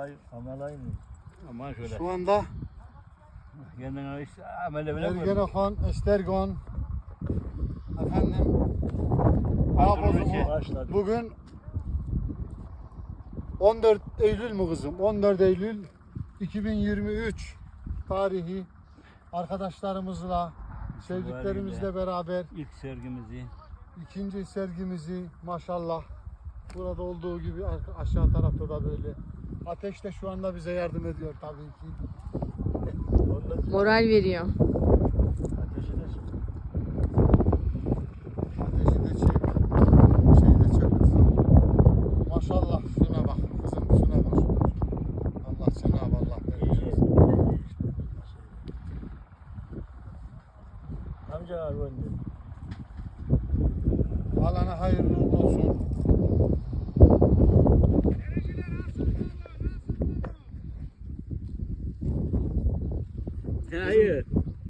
Amalay mı? Aman şöyle. Şu anda Kendine iş amele bile mi? Ergenekon, Estergon, efendim, Başladı. bugün 14 Eylül mü kızım? 14 Eylül 2023 tarihi arkadaşlarımızla, sevdiklerimizle beraber İlk sergimizi. ikinci sergimizi maşallah burada olduğu gibi aşağı tarafta da böyle. Ateş de şu anda bize yardım ediyor tabii ki. Moral veriyor. Ateşi de çıktı. Ateşi de çek, şey de çek kızım. Maşallah şuna bak kızım, şuna bak. Allah Cenab-ı Allah verir. Amca abi önde. Alana hayırlı uğurlu olsun. Hayır.